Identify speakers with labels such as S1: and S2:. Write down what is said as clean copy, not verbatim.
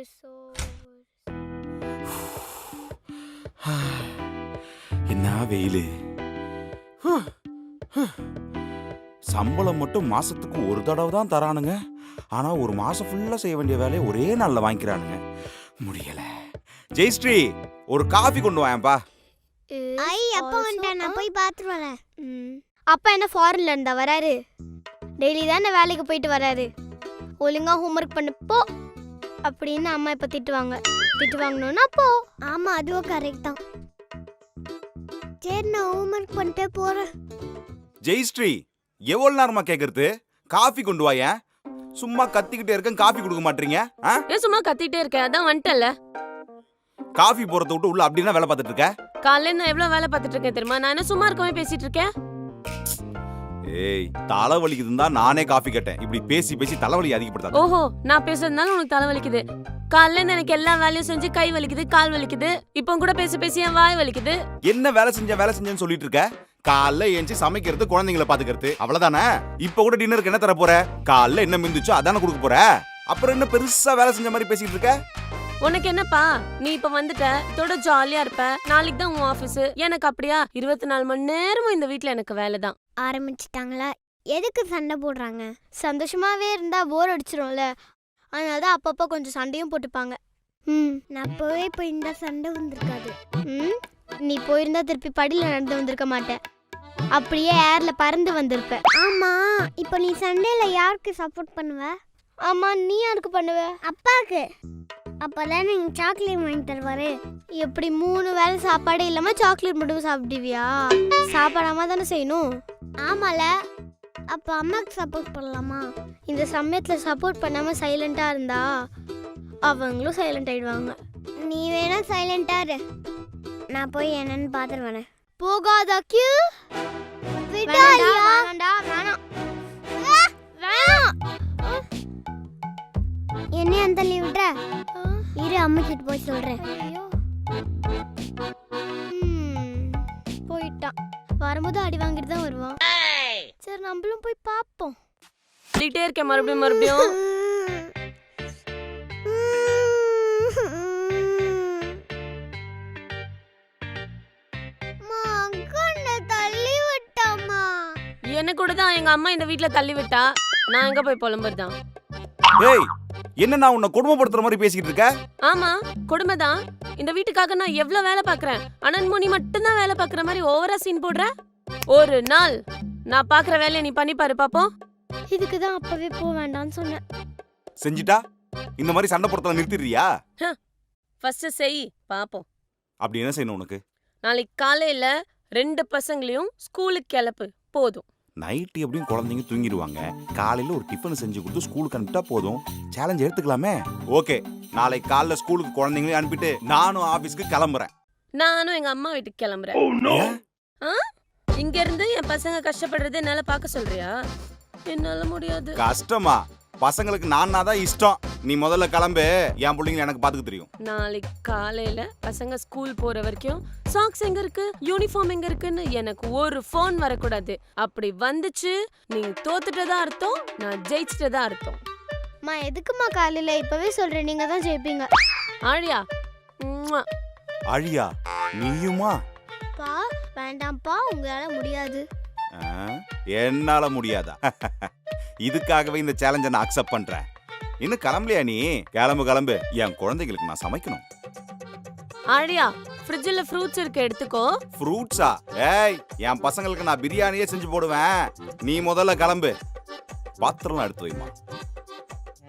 S1: என்ன வெயிலு. சம்பளம் மட்டும் மாசத்துக்கு ஒரு தடவை தான் தரானுங்க. ஆனா ஒரு மாசம் ஃபுல்லா செய்ய வேண்டிய வேலையை ஒரே நாள்ல வாங்கிக்கிறானுங்க. முடியல. ஜெயஸ்ரீ, ஒரு காஃபி கொண்டு வாயேன்பா.
S2: ஐ அப்பா வந்துட்டேன், நான் போய் பார்த்துட்டு வரேன். அப்பா என்ன ஃபாரின்ல இருந்தா வராரு? டெய்லி தானே வேலைக்கு போயிட்டு வராரு. ஒழுங்கா ஹோம்ஒர்க் பண்ணு போ அப்படின்னு அம்மா இப்ப திட்டுவாங்க. திட்டு வாங்கணும்னா போ. ஆமா, அதுவும் கரெக்ட் தான். சரி, நான் ஹோம்ஒர்க் பண்ணிட்டே போறேன்.
S1: ஜெயஸ்ரீ, எவ்வளவு நேரமா கேக்குறது? காஃபி கொண்டு வாயேன். சும்மா கத்திக்கிட்டே இருக்கேன், காஃபி கொடுக்க மாட்டீங்க.
S3: சும்மா கத்திட்டே இருக்கேன், அதான் வந்துட்டல.
S1: காஃபி போறத விட்டு உள்ள அப்படின்னா வேலை பார்த்துட்டு இருக்க?
S3: காலையில நான் எவ்வளவு வேலை பார்த்துட்டு இருக்கேன் தெரியுமா? நான் என்ன சும்மா இருக்கவே பேசிட்டு இருக்கேன்.
S1: ஏய், தலை வலிக்குதுன்னு தான் நானே காஃபி கேட்டேன். இப்படி பேசி பேசி தலைவலி அதிகப்படுத்தாத.
S3: ஓஹோ, நான் பேசுறதுனால உனக்கு தலை வலிக்குது. காலையில எனக்கு எல்லா வேலையும் செஞ்சு கை வலிக்குது, கால் வலிக்குது. இப்போ கூட பேசி பேசி என் வாய் வலிக்குது.
S1: என்ன வேலை செஞ்சேன்னு சொல்லிட்டு இருக்க? காலைல ஏஞ்சி சமைக்கிறது, குழந்தைங்களை பாத்துக்கிறது, அவ்வளவுதானே? இப்ப கூட டின்னருக்கு என்ன தர போற? காலைல என்ன மிந்துச்சோ அதானே கொடுக்க போற. அப்புறம் என்ன பெருசா வேலை செஞ்ச மாதிரி பேசிட்டு இருக்க?
S3: உனக்கு என்னப்பா, நீ இப்ப வந்துட்ட, இதோட ஜாலியா இருப்ப. நாளைக்கு தான் உன் ஆபீஸ். எனக்கு அப்படியா? 24 மணி நேரமும் இந்த வீட்ல எனக்கு வேலை தான்.
S2: ஆரம்பிச்சிட்டாங்களா? எதுக்கு சண்டை போடுறாங்க? சந்தோஷமாவே இருந்தா போர் அடிச்சிரும்ல. அதனாலதான் அப்பப்போ கொஞ்சம் சண்டையும் போட்டுப்பாங்க. நான் போய் இப்போ இந்த சண்டை வந்திருக்காது. நீ போயிருந்தா திருப்பி படியில நடந்து வந்திருக்க மாட்டேன். அப்படியே ஏர்ல பறந்து வந்திருப்ப. ஆமா, இப்போ நீ சண்டையில யாருக்கு சப்போர்ட் பண்ணுவ? ஆமா, நீ யாருக்கு பண்ணுவ? அப்பாக்கு. அப்பதான் நீங்க சாக்லேட் வாங்கி தருவாரு. எப்படி 3 வேளை சாப்பாடே இல்லாம சாக்லேட் மட்டும் சாப்பிடுவியா? சாப்பிடாம தானே செய்யணும். ஆமால, அப்ப அம்மாக்கு சப்போர்ட் பண்ணலாமா? இந்த சமயத்துல சப்போர்ட் பண்ணாம சைலண்டா இருந்தா அவங்களும் சைலண்ட் ஆயிடுவாங்க. நீ வேணா சைலண்டா இரு, நான் போய் என்னன்னு பாத்துட்டு வரேன். போகாத கியூ. என்ன அந்த லீவ் விட்ற? இரு, அம்மா கிட்ட போய் சொல்றேன். போயிட்டான். வரும்போது அடி வாங்கிட்டு தான் வருவான். சரி, நம்மளும் போய் பாப்போம்.
S3: சொல்லிட்டே இருக்கேன் மறுபடியும்.
S2: தள்ளி விட்டாமா.
S3: என்ன கூட தான் எங்க அம்மா இந்த வீட்ல தள்ளி விட்டா. நான் எங்க போய் புலம்புறதான்?
S1: ஏய், என்ன நான் உன்னை கொடுமைப்படுத்துற மாதிரி பேசிக்கிட்டு இருக்க?
S3: ஆமா, கொடுமை தான். இந்த வீட்டுக்காக நான் எவ்வளவு வேலை பாக்குறேன். அனன்முனி மட்டும் தான் வேலை பாக்குற மாதிரி ஓவரா சீன் போடுற. ஒரு நாள் நான் பாக்குற வேலையை நீ பண்ணி பாரு பாப்போம்.
S2: இதுக்கு தான் அப்பவே போக வேண்டாம்னு சொன்னேன்.
S1: செஞ்சிட்டா இந்த மாதிரி சண்டை போடுறத நிறுத்திடுறியா?
S3: ஃபர்ஸ்ட் செய் பாப்போம்.
S1: அப்படி என்ன செய்யணும் உனக்கு?
S3: நாளைக்கு காலையில 2 பசங்களையும் ஸ்கூலுக்கு கிளப்பு போதும்.
S1: நைட்டு எப்படியும் குழந்தைங்க தூங்கிடுவாங்க. காலையில ஒரு டிஃபன் செஞ்சு கொடுத்து ஸ்கூலுக்கு அனுப்பிட்டா போதும். சேலஞ்ச் எடுத்துக்கலாமே. ஓகே, நாளைக்கு காலைல ஸ்கூலுக்கு குழந்தைங்களையும் அனுப்பிட்டு நானும் ஆபீஸ்க்கு கிளம்புறேன்.
S3: நானும் எங்க அம்மா வீட்டுக்கு கிளம்புறேன். இங்க இருந்து என் பசங்க கஷ்டப்படுறது என்னால பார்க்க சொல்றியா? என்னால முடியாது.
S1: கஷ்டமா? பசங்களுக்கு நான் தான் இஷ்டம். நீ முதல்ல கிளம்பு, என் பிள்ளைங்க எனக்கு பாத்துக்க தெரியும்.
S3: நாளைக்கு காலையில பசங்க ஸ்கூல் போற வரைக்கும் சாக்ஸ் எங்க இருக்கு, யூனிஃபார்ம் எங்க இருக்குன்னு எனக்கு ஒரு ஃபோன் வரக்கூடாது. அப்படி வந்துச்சு நீ தோத்துட்டதா அர்த்தம், நான் ஜெயிச்சிட்டதா அர்த்தம்.
S2: மா, எதுக்குமா காலையில? இப்பவே சொல்றேன், நீங்க தான் ஜெயிப்பீங்க.
S3: ஆழியா?
S1: ஆழியா, நீயுமா?
S2: பா, வேண்டாம்ப்பா, உங்களால முடியாது.
S1: என்னால முடியாதா? இதுக்காகவே இந்த சேலஞ்சை நான் அக்செப்ட் பண்றேன். இன்னும் கிளம்பலையா நீ? கிளம்பு. என் குழந்தைகளுக்கு நான் சமைக்கணும்.
S3: ஆழியா, ஃப்ரிட்ஜ்ல ஃப்ரூட்ஸ் இருக்கு, எடுத்துக்கோ.
S1: ஃப்ரூட்ஸா? ஏய், என் பசங்களுக்கு நான் பிரியாணியே செஞ்சு போடுவேன். நீ முதல்ல கிளம்பு. பாத்திரம்லாம் எடுத்து வைமா.